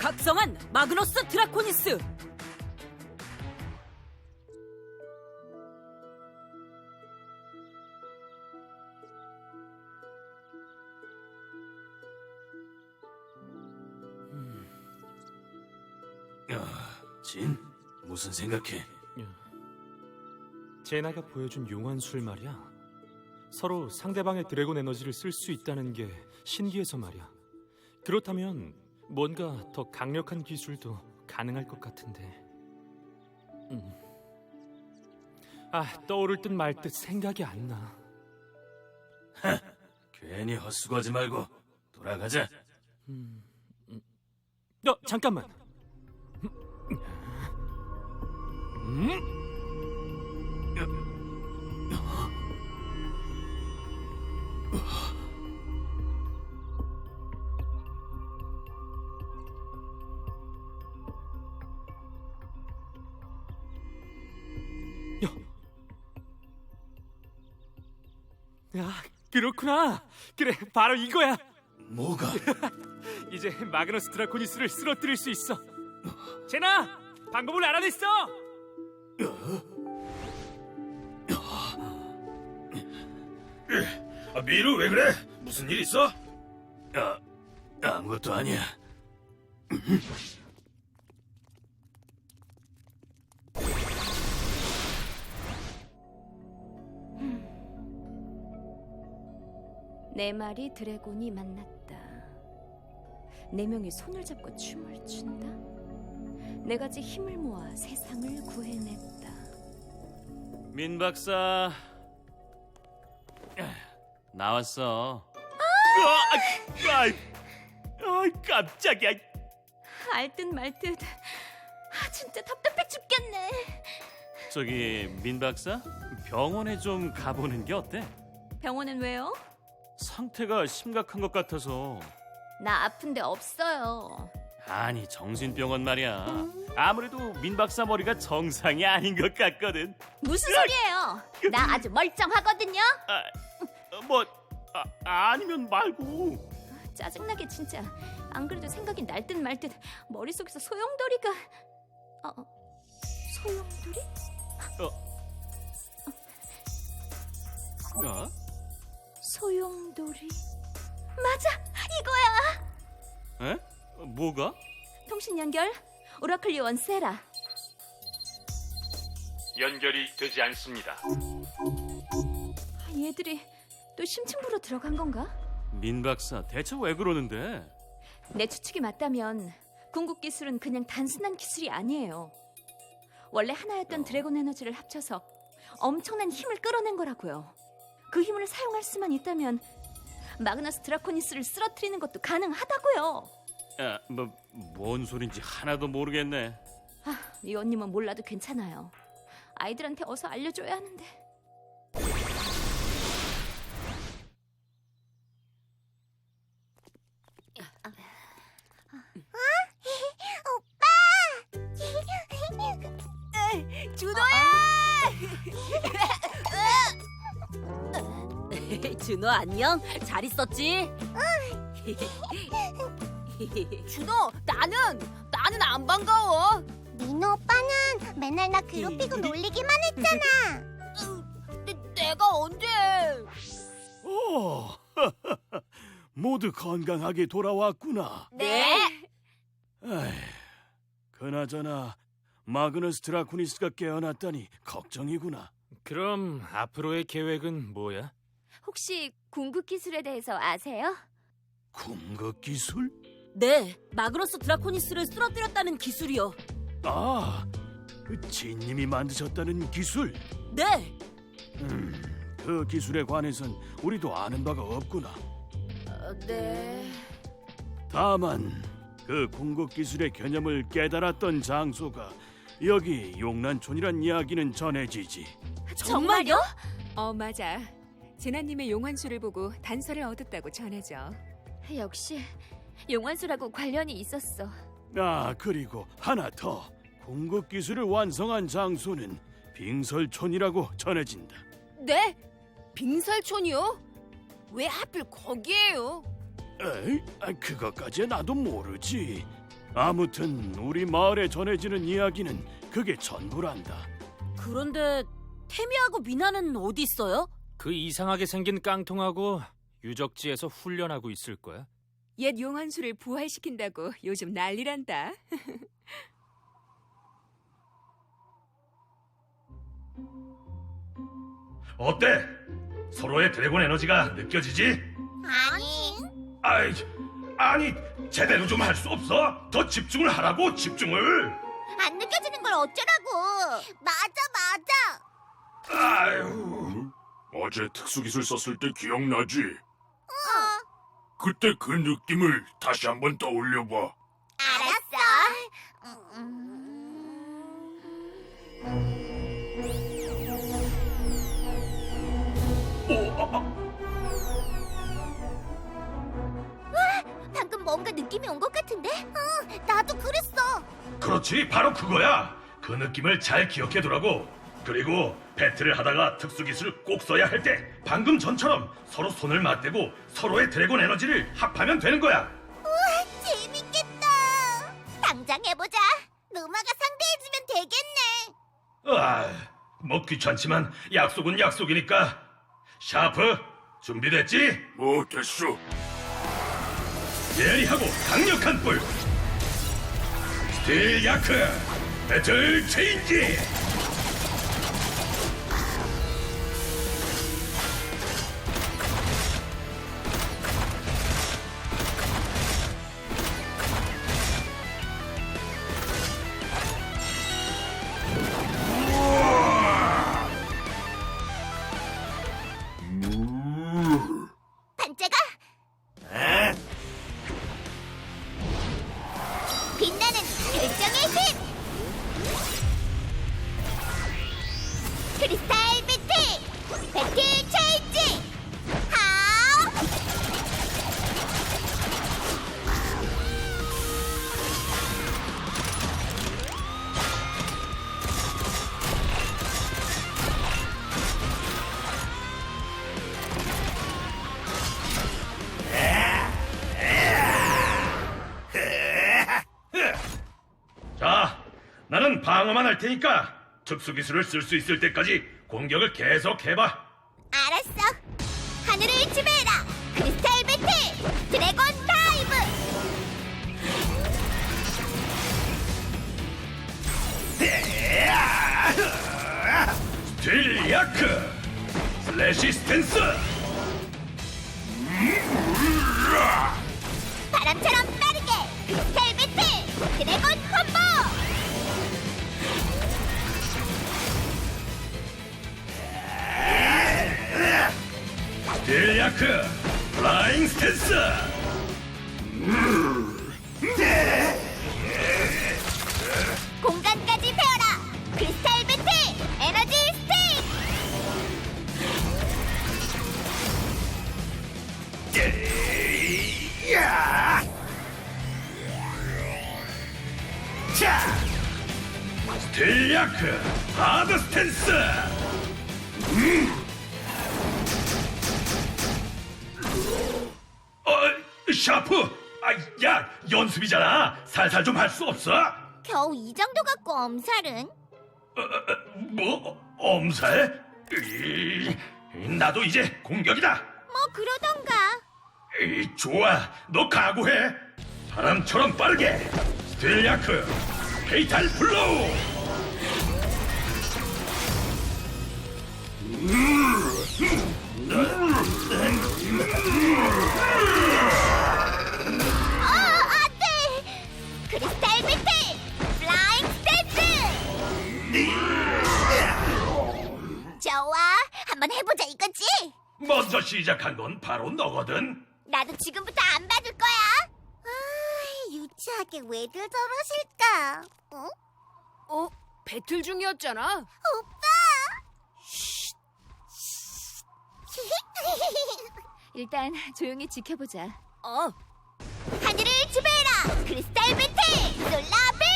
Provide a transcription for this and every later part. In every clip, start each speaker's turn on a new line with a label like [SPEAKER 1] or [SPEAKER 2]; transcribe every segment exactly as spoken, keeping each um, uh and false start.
[SPEAKER 1] 각성한 마그너스 드라코니스!
[SPEAKER 2] 야, 진, 무슨 생각해?
[SPEAKER 3] 제나가 보여준 용환술 말이야. 서로 상대방의 드래곤 에너지를 쓸 수 있다는 게 신기해서 말이야. 그렇다면 뭔가 더 강력한 기술도 가능할 것 같은데. 음. 아, 떠오를 듯 말 듯 생각이 안 나.
[SPEAKER 2] 하, 괜히 헛수고하지 말고 돌아가자.
[SPEAKER 3] 음, 음. 어, 잠깐만. 음? 야, 그렇구나. 그래, 바로 이거야.
[SPEAKER 2] 뭐가?
[SPEAKER 3] 이제 마그너스 드라코니스를 쓰러뜨릴 수 있어. 제나, 방법을 알아냈어.
[SPEAKER 2] 아, 미루 왜 그래? 무슨 일 있어? 아, 아무것도 아니야.
[SPEAKER 4] 네 마리 드래곤이 만났다. 네 명이 손을 잡고 춤을 춘다. 네 가지 힘을 모아 세상을 구해냈다.
[SPEAKER 5] 민 박사 나왔어.
[SPEAKER 2] 아, 아, 아, 깜짝이야.
[SPEAKER 4] 알듯 말듯. 아, 진짜 답답해 죽겠네.
[SPEAKER 5] 저기 민 박사 병원에 좀 가보는 게 어때?
[SPEAKER 4] 병원은 왜요?
[SPEAKER 5] 상태가 심각한 것 같아서.
[SPEAKER 4] 나 아픈데 없어요.
[SPEAKER 5] 아니 정신병원 말이야. 아무래도 민 박사 머리가 정상이 아닌 것 같거든.
[SPEAKER 4] 무슨 소리예요? 나 아주 멀쩡하거든요.
[SPEAKER 5] 아, 뭐 아, 아니면 말고.
[SPEAKER 4] 짜증나게 진짜. 안 그래도 생각이 날듯 말듯 머릿속에서 소용돌이가. 어, 어. 소용돌이?
[SPEAKER 5] 어? 어?
[SPEAKER 4] 소용돌이. 맞아, 이거야.
[SPEAKER 5] 에? 뭐가?
[SPEAKER 4] 통신 연결. 오라클 요원 세라.
[SPEAKER 3] 연결이 되지 않습니다.
[SPEAKER 4] 얘들이 또 심층부로 들어간 건가?
[SPEAKER 5] 민 박사 대체 왜 그러는데?
[SPEAKER 4] 내 추측이 맞다면 궁극 기술은 그냥 단순한 기술이 아니에요. 원래 하나였던 드래곤 에너지를 합쳐서 엄청난 힘을 끌어낸 거라고요. 그 힘을 사용할 수만 있다면 마그너스 드라코니스를 쓰러뜨리는 것도 가능하다고요.
[SPEAKER 5] 아, 뭐, 뭔 소린지 하나도 모르겠네.
[SPEAKER 4] 아, 위원님은 몰라도 괜찮아요. 아이들한테 어서 알려줘야 하는데.
[SPEAKER 1] 준호 안녕? 잘 있었지?
[SPEAKER 6] 준호, 나는 나는 안 반가워.
[SPEAKER 7] 민호 오빠는 맨날 나 괴롭히고 놀리기만 했잖아.
[SPEAKER 6] 내, 내가 언제?
[SPEAKER 2] 오, 모두 건강하게 돌아왔구나.
[SPEAKER 6] 네.
[SPEAKER 2] 에이, 그나저나 마그너스 드라코니스가 깨어났다니 걱정이구나.
[SPEAKER 3] 그럼 앞으로의 계획은 뭐야?
[SPEAKER 4] 혹시 궁극 기술에 대해서 아세요?
[SPEAKER 2] 궁극 기술?
[SPEAKER 1] 네, 마그너스 드라코니스를 쓰러뜨렸다는 기술이요.
[SPEAKER 2] 아, 그 진님이 만드셨다는 기술?
[SPEAKER 1] 네,
[SPEAKER 2] 음, 그 기술에 관해선 우리도 아는 바가 없구나.
[SPEAKER 4] 어, 네.
[SPEAKER 2] 다만 그 궁극 기술의 개념을 깨달았던 장소가 여기 용란촌이란 이야기는 전해지지.
[SPEAKER 1] 정말요?
[SPEAKER 8] 어, 맞아. 제나님의 용환술을 보고 단서를 얻었다고 전해져.
[SPEAKER 4] 역시 용환술하고 관련이 있었어.
[SPEAKER 2] 아, 그리고 하나 더. 궁극 기술을 완성한 장소는 빙설촌이라고 전해진다.
[SPEAKER 6] 네? 빙설촌이요? 왜 하필 거기에요?
[SPEAKER 2] 에이, 아, 그것까지 나도 모르지.
[SPEAKER 5] 아무튼 우리 마을에 전해지는 이야기는 그게 전부란다.
[SPEAKER 1] 그런데 태미하고 미나는 어디 있어요?
[SPEAKER 3] 그 이상하게 생긴 깡통하고 유적지에서 훈련하고 있을 거야.
[SPEAKER 8] 옛 용환수를 부활시킨다고 요즘 난리란다.
[SPEAKER 2] 어때? 서로의 드래곤 에너지가 느껴지지?
[SPEAKER 7] 아니.
[SPEAKER 2] 아이, 아니 제대로 좀 할 수 없어? 더 집중을 하라고 집중을.
[SPEAKER 7] 안 느껴지는 걸 어쩌라고. 맞아, 맞아.
[SPEAKER 2] 아유,
[SPEAKER 9] 어제 특수기술 썼을 때 기억나지?
[SPEAKER 7] 어.
[SPEAKER 9] 그때 그 느낌을 다시 한번 떠올려봐.
[SPEAKER 7] 알았어. 음. 방금 뭔가 느낌이 온 것 같은데? 어, 나도 그랬어.
[SPEAKER 2] 그렇지, 바로 그거야. 그 느낌을 잘 기억해두라고. 그리고 배틀을 하다가 특수기술을 꼭 써야 할 때 방금 전처럼 서로 손을 맞대고 서로의 드래곤 에너지를 합하면 되는 거야.
[SPEAKER 7] 우와, 재밌겠다. 당장 해보자. 누마가 상대해주면 되겠네.
[SPEAKER 2] 아, 뭐 귀찮지만 약속은 약속이니까. 샤프, 준비됐지?
[SPEAKER 9] 뭐 됐어.
[SPEAKER 2] 예리하고 강력한 뿔. 스틸 야크, 배틀 체인지.
[SPEAKER 7] 반짝아. 빛나는 결정의 힘. 크리스탈 배틀. 배틀 체인지. 하우.
[SPEAKER 2] 자, 나는 방어만 할 테니까 특수기술을 쓸 수 있을 때까지 공격을 계속 해봐.
[SPEAKER 7] 알았어. 하늘을 지배해라. 크리스탈 배틀. 드래곤 다이브.
[SPEAKER 2] 스틸 야크, 슬래시 스탠스.
[SPEAKER 7] 바람처럼 빠르게. 크리스탈 배틀. 드래곤 콤보.
[SPEAKER 2] 스틸 야크, 플라잉 스탠스.
[SPEAKER 7] 공간까지 배워라. 크리스탈 배틀. 에너지 스틱.
[SPEAKER 2] 스틸 야크, 하드 스탠스. 음. 어, 샤프. 아, 야, 연습이잖아. 살살 좀 할 수 없어?
[SPEAKER 7] 겨우 이 정도 갖고 엄살은?
[SPEAKER 2] 어, 어, 뭐? 엄살? 이, 나도 이제 공격이다.
[SPEAKER 7] 뭐 그러던가.
[SPEAKER 2] 이, 좋아, 너 각오해. 바람처럼 빠르게. 스틸 야크, 페이탈 플로우.
[SPEAKER 7] 어, 안 돼! 크리스탈 배틀! 플라잉 스탠스! 좋아, 한번 해보자 이거지?
[SPEAKER 2] 먼저 시작한 건 바로 너거든.
[SPEAKER 7] 나도 지금부터 안 받을 거야. 아, 유치하게 왜들 저러실까? 어?
[SPEAKER 6] 어? 배틀 중이었잖아.
[SPEAKER 7] 오빠!
[SPEAKER 4] 일단 조용히 지켜보자.
[SPEAKER 6] 어.
[SPEAKER 7] 하늘을 지배해라! 크리스탈 배틀! 솔라빌!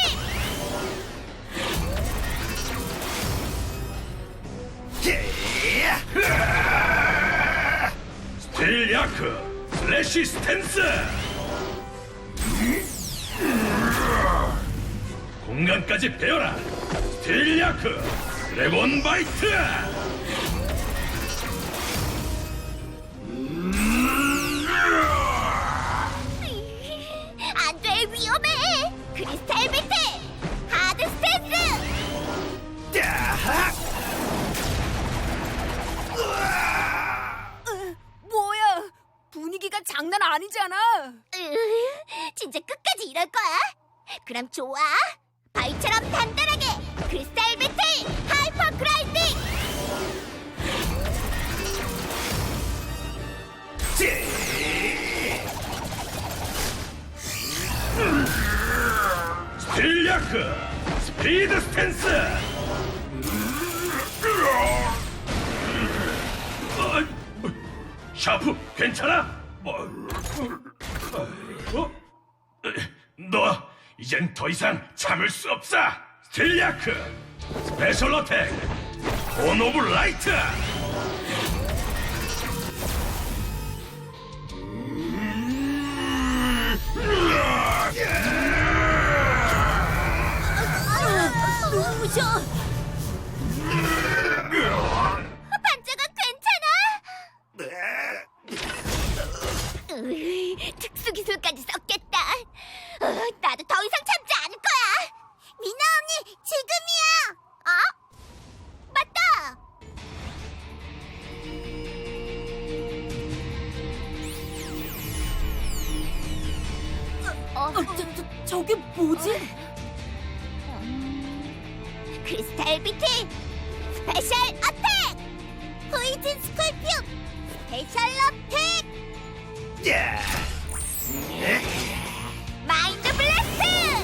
[SPEAKER 2] 스틸 야크, 슬래시 스탠스. 순간까지 베어라. 스틸리아크 드래곤 바이트.
[SPEAKER 7] 안돼, 위험해. 크리스탈 비트 하드 스탠스.
[SPEAKER 6] 뭐야? 분위기가 장난 아니잖아.
[SPEAKER 7] 으, 진짜 끝까지 이럴 거야? 그럼 좋아. 바위처럼 단단하게 크리스탈 비트 하이퍼 그라인딩.
[SPEAKER 2] 스틸리아크 스피드 스탠스. 어, 샤프 괜찮아? 어, 어? 너 이젠 더 이상 참을 수 없어. 스틸리아크 스페셜 어택 온 오브 라이트.
[SPEAKER 1] 무셔.
[SPEAKER 7] 반짝아, 괜찮아? 으이, 특수 기술까지 썼겠다. 어, 나도 더 이상 참지 않을 거야. 미나 언니, 지금이야. 어? 맞다.
[SPEAKER 1] 어, 저, 저, 저게 뭐지?
[SPEAKER 7] 크리스탈 비트 스페셜 어택 포이즌 스콜피움 스페셜 어택 마인드 블래스트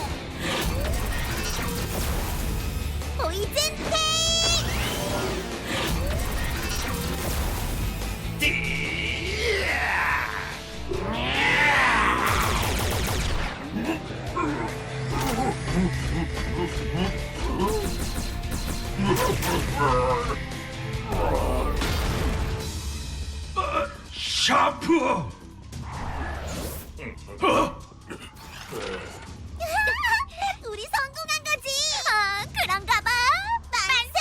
[SPEAKER 7] 포이즌 테이크.
[SPEAKER 2] 샤프. 어?
[SPEAKER 7] 우리 성공한 거지. 아, 그런가 봐. 만세,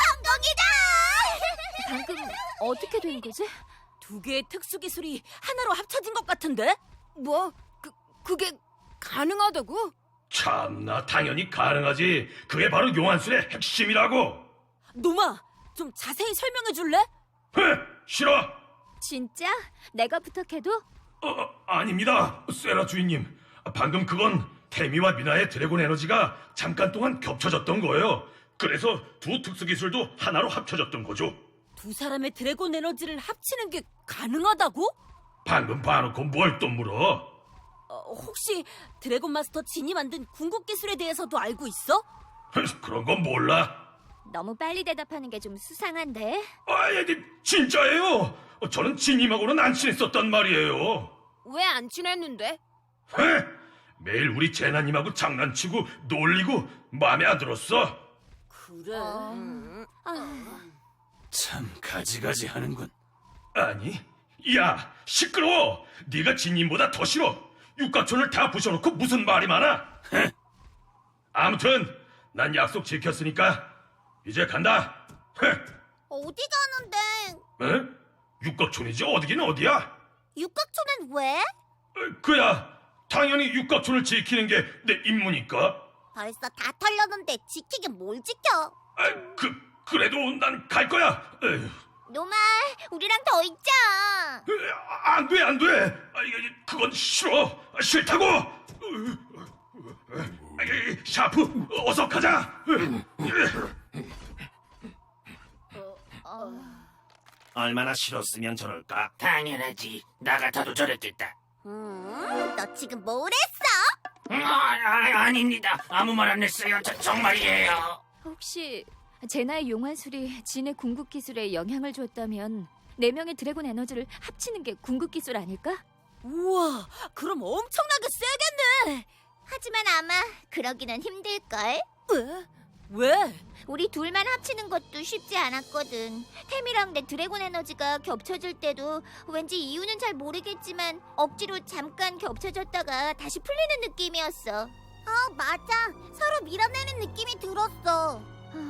[SPEAKER 7] 성공이다.
[SPEAKER 4] 방금 어떻게 된 거지?
[SPEAKER 1] 두 개의 특수 기술이 하나로 합쳐진 것 같은데?
[SPEAKER 6] 뭐? 그 그게 가능하다고?
[SPEAKER 2] 참나, 당연히 가능하지. 그게 바로 용환술의 핵심이라고.
[SPEAKER 1] 노마, 좀 자세히 설명해 줄래?
[SPEAKER 2] 헤, 싫어.
[SPEAKER 4] 진짜? 내가 부탁해도?
[SPEAKER 2] 어, 어, 아닙니다, 세라 주인님. 방금 그건 태미와 미나의 드래곤 에너지가 잠깐 동안 겹쳐졌던 거예요. 그래서 두 특수 기술도 하나로 합쳐졌던 거죠.
[SPEAKER 1] 두 사람의 드래곤 에너지를 합치는 게 가능하다고?
[SPEAKER 2] 방금 봐놓고 뭘 또 물어?
[SPEAKER 1] 어, 혹시 드래곤 마스터 진이 만든 궁극 기술에 대해서도 알고 있어?
[SPEAKER 2] 그런 건 몰라.
[SPEAKER 4] 너무 빨리 대답하는 게 좀 수상한데.
[SPEAKER 2] 아, 예, 진짜예요. 저는 진님하고는 안 친했었단 말이에요.
[SPEAKER 6] 왜 안 친했는데?
[SPEAKER 2] 헤, 매일 우리 제나님하고 장난치고 놀리고 마음에 안 들었어.
[SPEAKER 1] 그래.
[SPEAKER 5] 참 가지가지 하는군.
[SPEAKER 2] 아니, 야, 시끄러워. 네가 진님보다 더 싫어. 육각촌을 다 부셔놓고 무슨 말이 많아? 헤. 아무튼 난 약속 지켰으니까 이제 간다. 헤.
[SPEAKER 7] 어디 가는데?
[SPEAKER 2] 에? 육각촌이지 어디긴 어디야?
[SPEAKER 7] 육각초는 왜?
[SPEAKER 2] 에, 그야 당연히 육각촌을 지키는 게 내 임무니까.
[SPEAKER 7] 벌써 다 털렸는데 지키긴 뭘 지켜?
[SPEAKER 2] 아, 그 그래도 난 갈 거야. 에휴.
[SPEAKER 7] 노마, 우리랑 더 있자.
[SPEAKER 2] 에, 안 돼, 안 돼. 아, 이게, 그건 싫어. 아, 싫다고. 아, 이, 샤프, 어서 가자.
[SPEAKER 10] 얼마나 싫었으면 저럴까? 당연하지. 나 같아도 저랬겠다.
[SPEAKER 7] 음, 너 지금 뭘 했어?
[SPEAKER 10] 음, 아, 아, 아닙니다. 아무 말 안 했어요. 저, 정말이에요.
[SPEAKER 4] 혹시 제나의 용환술이 진의 궁극 기술에 영향을 줬다면 네 명의 드래곤 에너지를 합치는 게 궁극 기술 아닐까?
[SPEAKER 1] 우와, 그럼 엄청나게 세겠네.
[SPEAKER 7] 하지만 아마 그러기는 힘들걸.
[SPEAKER 1] 왜? 왜?
[SPEAKER 7] 우리 둘만 합치는 것도 쉽지 않았거든. 템이랑 내 드래곤 에너지가 겹쳐질 때도 왠지 이유는 잘 모르겠지만 억지로 잠깐 겹쳐졌다가 다시 풀리는 느낌이었어. 어, 맞아. 서로 밀어내는 느낌이 들었어.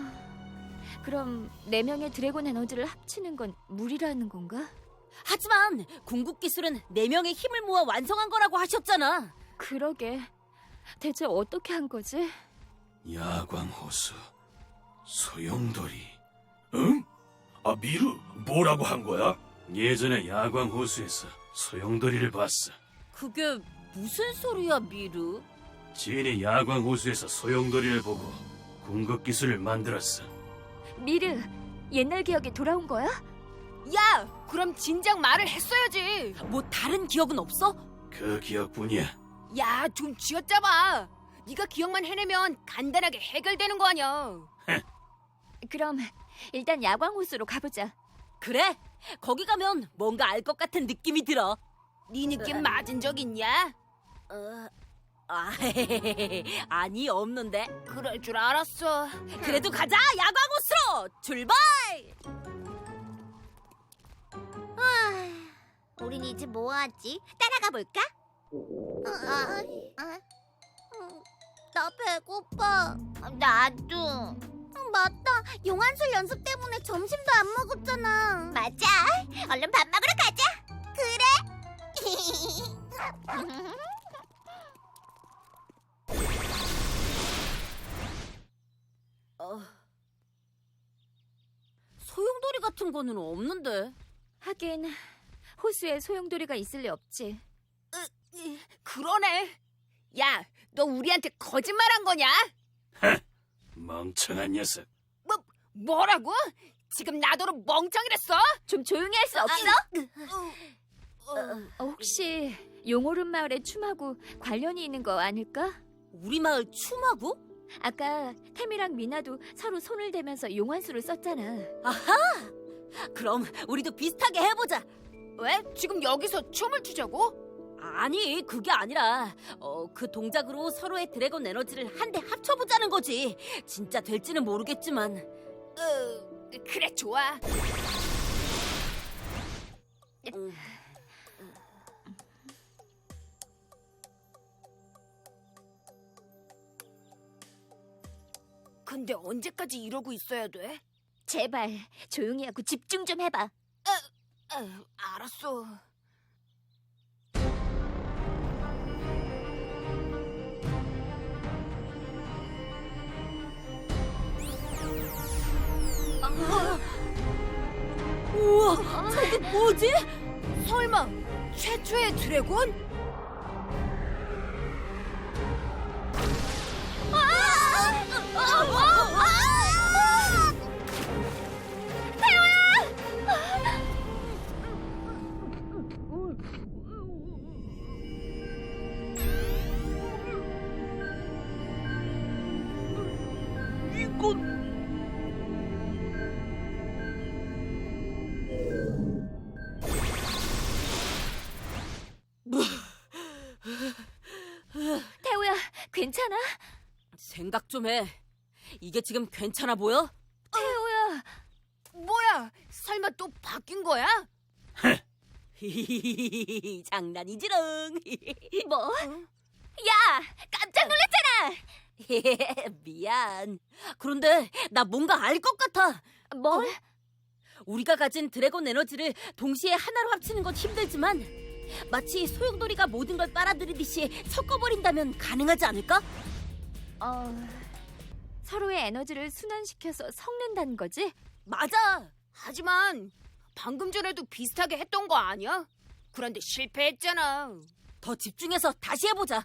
[SPEAKER 4] 그럼 네 명의 드래곤 에너지를 합치는 건 무리라는 건가?
[SPEAKER 1] 하지만 궁극 기술은 네 명의 힘을 모아 완성한 거라고 하셨잖아.
[SPEAKER 4] 그러게. 대체 어떻게 한 거지?
[SPEAKER 9] 야광호수, 소용돌이. 응? 아, 미루, 뭐라고 한 거야?
[SPEAKER 10] 예전에 야광호수에서 소용돌이를 봤어.
[SPEAKER 1] 그게 무슨 소리야, 미르?
[SPEAKER 10] 지인이 야광호수에서 소용돌이를 보고 궁극 기술을 만들었어.
[SPEAKER 4] 미르, 옛날 기억이 돌아온 거야?
[SPEAKER 6] 야, 그럼 진작 말을 했어야지.
[SPEAKER 1] 뭐 다른 기억은 없어?
[SPEAKER 10] 그 기억뿐이야.
[SPEAKER 6] 야, 좀 쥐어짜봐. 네가 기억만 해내면 간단하게 해결되는 거 아니야.
[SPEAKER 4] 그럼 일단 야광호수로 가보자.
[SPEAKER 1] 그래, 거기 가면 뭔가 알 것 같은 느낌이 들어.
[SPEAKER 6] 네 느낌 맞은 적 있냐?
[SPEAKER 1] 어, 아, 아니 없는데.
[SPEAKER 6] 그럴 줄 알았어.
[SPEAKER 1] 그래도 가자, 야광호수로 출발!
[SPEAKER 7] 아, 우린 이제 뭐 하지? 따라가 볼까? 어, 아, 아, 음, 나 배고파. 나도. 어, 맞다. 용한술 연습 때문에 점심도 안 먹었잖아. 맞아. 얼른 밥 먹으러 가자. 그래.
[SPEAKER 1] 어, 소용돌이 같은 거는 없는데.
[SPEAKER 4] 하긴 호수에 소용돌이가 있을 리 없지.
[SPEAKER 6] 그러네. 야, 너 우리한테 거짓말한 거냐?
[SPEAKER 10] 멍청한 녀석.
[SPEAKER 6] 뭐, 뭐라고? 지금 나더러 멍청이랬어?
[SPEAKER 4] 좀 조용히 할 수 없어? 어, 혹시 용오름 마을의 춤하고 관련이 있는 거 아닐까?
[SPEAKER 1] 우리 마을 춤하고?
[SPEAKER 4] 아까 템이랑 미나도 서로 손을 대면서 용환수를 썼잖아.
[SPEAKER 1] 그럼 우리도 비슷하게 해보자.
[SPEAKER 6] 왜? 지금 여기서 춤을 추자고?
[SPEAKER 1] 아니, 그게 아니라 어, 그 동작으로 서로의 드래곤 에너지를 한데 합쳐보자는 거지. 진짜 될지는 모르겠지만.
[SPEAKER 6] 어, 그래, 좋아.
[SPEAKER 1] 음.
[SPEAKER 6] 근데 언제까지 이러고 있어야 돼?
[SPEAKER 4] 제발 조용히 하고 집중 좀 해봐.
[SPEAKER 6] 어, 알았어.
[SPEAKER 1] 우와, 저게 뭐지?
[SPEAKER 6] 설마 최초의 드래곤?
[SPEAKER 4] 태우야, 괜찮아?
[SPEAKER 1] 생각 좀 해. 이게 지금 괜찮아 보여?
[SPEAKER 4] 태우야.
[SPEAKER 6] 뭐야? 설마 또 바뀐 거야?
[SPEAKER 1] 장난이지롱.
[SPEAKER 4] 뭐? 야, 깜짝 놀랐잖아.
[SPEAKER 1] 미안. 그런데 나 뭔가 알 것 같아.
[SPEAKER 4] 뭘?
[SPEAKER 1] 우리가 가진 드래곤 에너지를 동시에 하나로 합치는 건 힘들지만 마치 소용돌이가 모든 걸 빨아들이듯이 섞어버린다면 가능하지 않을까?
[SPEAKER 4] 어, 서로의 에너지를 순환시켜서 섞는다는 거지?
[SPEAKER 1] 맞아.
[SPEAKER 6] 하지만 방금 전에도 비슷하게 했던 거 아니야? 그런데 실패했잖아.
[SPEAKER 1] 더 집중해서 다시 해보자.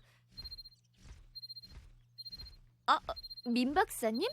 [SPEAKER 4] 어, 민 박사님?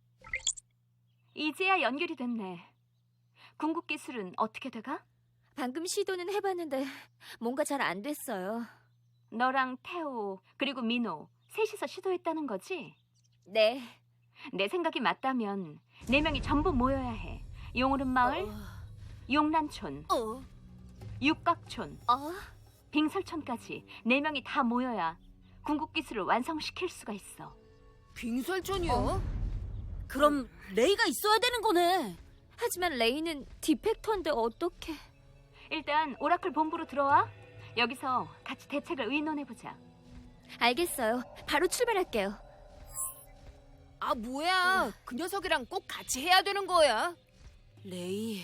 [SPEAKER 4] 이제야 연결이 됐네. 궁극 기술은 어떻게 돼가? 방금 시도는 해봤는데 뭔가 잘 안 됐어요. 너랑 태호 그리고 민호 셋이서 시도했다는 거지? 네. 내 생각이 맞다면 네 명이 전부 모여야 해. 용오름 마을,
[SPEAKER 1] 어...
[SPEAKER 4] 용란촌,
[SPEAKER 1] 어...
[SPEAKER 4] 육각촌,
[SPEAKER 1] 어?
[SPEAKER 4] 빙설촌까지 네 명이 다 모여야 궁극 기술을 완성시킬 수가 있어.
[SPEAKER 6] 빙설촌이요?
[SPEAKER 1] 어? 그럼 레이가 있어야 되는 거네.
[SPEAKER 4] 하지만 레이는 디펙터인데 어떡해. 일단 오라클 본부로 들어와. 여기서 같이 대책을 의논해보자. 알겠어요. 바로 출발할게요.
[SPEAKER 6] 아, 뭐야. 그 녀석이랑 꼭 같이 해야 되는 거야.
[SPEAKER 1] 레이.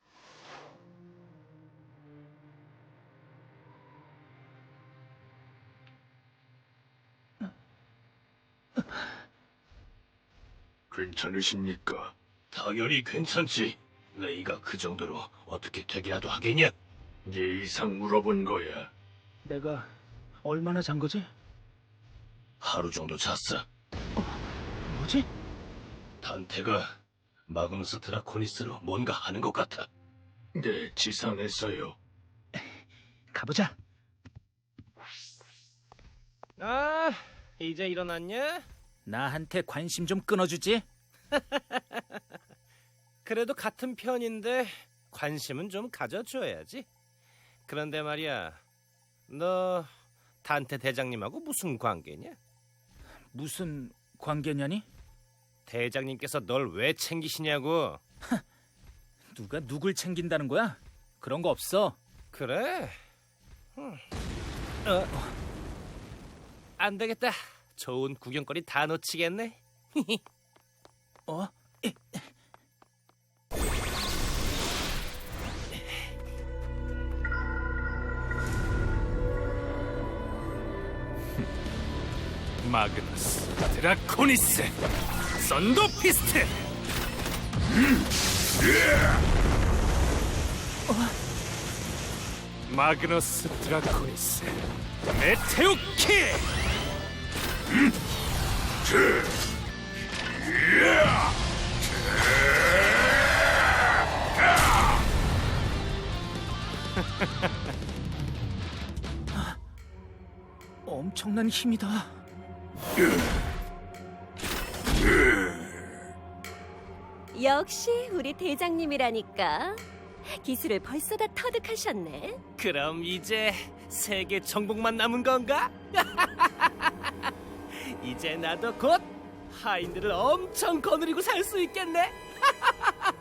[SPEAKER 9] 괜찮으십니까? 당연히 괜찮지. 레이가 그 정도로 어떻게 되기라도 하겠냐? 네 이상 물어본 거야.
[SPEAKER 10] 내가 얼마나 잔 거지?
[SPEAKER 9] 하루 정도 잤어.
[SPEAKER 10] 뭐지?
[SPEAKER 9] 단테가 마그누스 드라코니스로 뭔가 하는 것 같아. 네, 지상했어요.
[SPEAKER 10] 가보자. 아, 이제 일어났냐? 나한테 관심 좀 끊어주지? 그래도 같은 편인데 관심은 좀 가져줘야지. 그런데 말이야, 너 단테 대장님하고 무슨 관계냐? 무슨 관계냐니? 대장님께서 널 왜 챙기시냐고. 누가 누굴 챙긴다는 거야? 그런 거 없어. 그래? 음. 어. 안 되겠다. 좋은 구경거리 다 놓치겠네. 어?
[SPEAKER 3] 마그너스 드라코니스 썬더피스트. 마그너스 드라코니스 메테오키.
[SPEAKER 10] 엄청난 힘이다.
[SPEAKER 1] 역시 우리 대장님이라니까. 기술을 벌써 다 터득하셨네.
[SPEAKER 10] 그럼 이제 세계 정복만 남은 건가? 이제 나도 곧 하인들을 엄청 거느리고 살 수 있겠네.